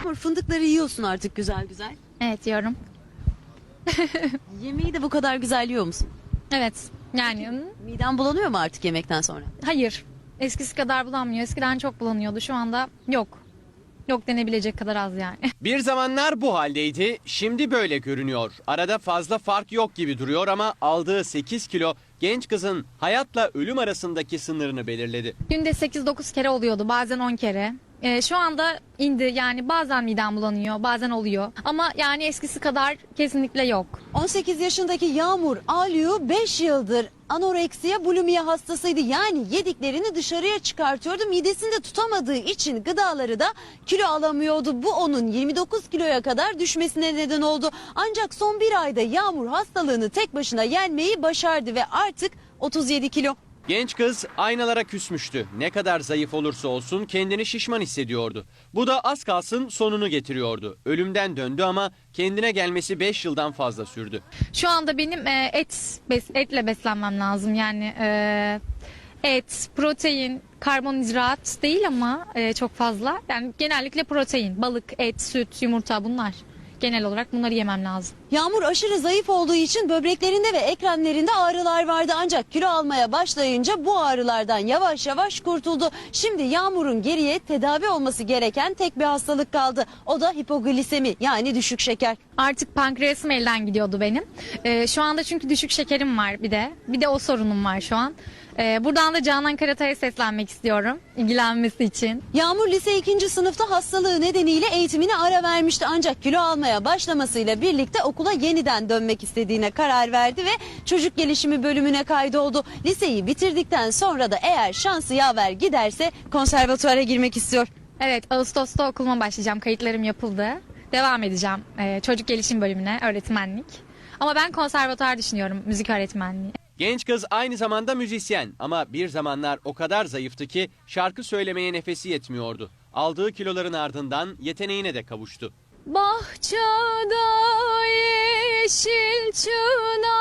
Fındıkları yiyorsun artık güzel güzel. Evet, yiyorum. Yemeği de bu kadar güzel yiyor musun? Evet, yani Miden bulanıyor mu artık yemekten sonra? hayır. Eskisi kadar bulanmıyor. Eskiden çok bulanıyordu. Şu anda yok. Yok denebilecek kadar az yani. Bir zamanlar bu haldeydi, şimdi böyle görünüyor. Arada fazla fark yok gibi duruyor ama aldığı 8 kilo genç kızın hayatla ölüm arasındaki sınırını belirledi. Günde 8-9 kere oluyordu, bazen 10 kere. Şu anda indi, yani bazen midem bulanıyor, bazen oluyor. Ama yani eskisi kadar kesinlikle yok. 18 yaşındaki Yağmur Alyu 5 yıldır anoreksiya bulimiya hastasıydı. Yani yediklerini dışarıya çıkartıyordu. Midesinde tutamadığı için gıdaları da kilo alamıyordu. Bu onun 29 kiloya kadar düşmesine neden oldu. Ancak son bir ayda Yağmur hastalığını tek başına yenmeyi başardı ve artık 37 kilo. Genç kız aynalara küsmüştü. Ne kadar zayıf olursa olsun kendini şişman hissediyordu. Bu da az kalsın sonunu getiriyordu. Ölümden döndü ama kendine gelmesi 5 yıldan fazla sürdü. Şu anda benim etle beslenmem lazım. Yani et, protein, karbonhidrat değil ama çok fazla. Yani genellikle protein, balık, et, süt, yumurta, bunlar. Genel olarak bunları yemem lazım. Yağmur aşırı zayıf olduğu için böbreklerinde ve eklemlerinde ağrılar vardı. Ancak kilo almaya başlayınca bu ağrılardan yavaş yavaş kurtuldu. Şimdi Yağmur'un geriye tedavi olması gereken tek bir hastalık kaldı. O da hipoglisemi, yani düşük şeker. Artık pankreasım elden gidiyordu benim. Şu anda çünkü düşük şekerim var bir de. Bir de o sorunum var şu an. Buradan da Canan Karatay'a seslenmek istiyorum ilgilenmesi için. Yağmur lise 2. sınıfta hastalığı nedeniyle eğitimine ara vermişti. Ancak kilo almaya başlamasıyla birlikte okula yeniden dönmek istediğine karar verdi ve çocuk gelişimi bölümüne kaydoldu. Liseyi bitirdikten sonra da eğer şansı yaver giderse konservatuvara girmek istiyor. Evet, Ağustos'ta okuluma başlayacağım. Kayıtlarım yapıldı. Devam edeceğim çocuk gelişim bölümüne, öğretmenlik. Ama ben konservatuar düşünüyorum, müzik öğretmenliği. Genç kız aynı zamanda müzisyen ama bir zamanlar o kadar zayıftı ki şarkı söylemeye nefesi yetmiyordu. Aldığı kiloların ardından yeteneğine de kavuştu. Bahçada yeşil çınar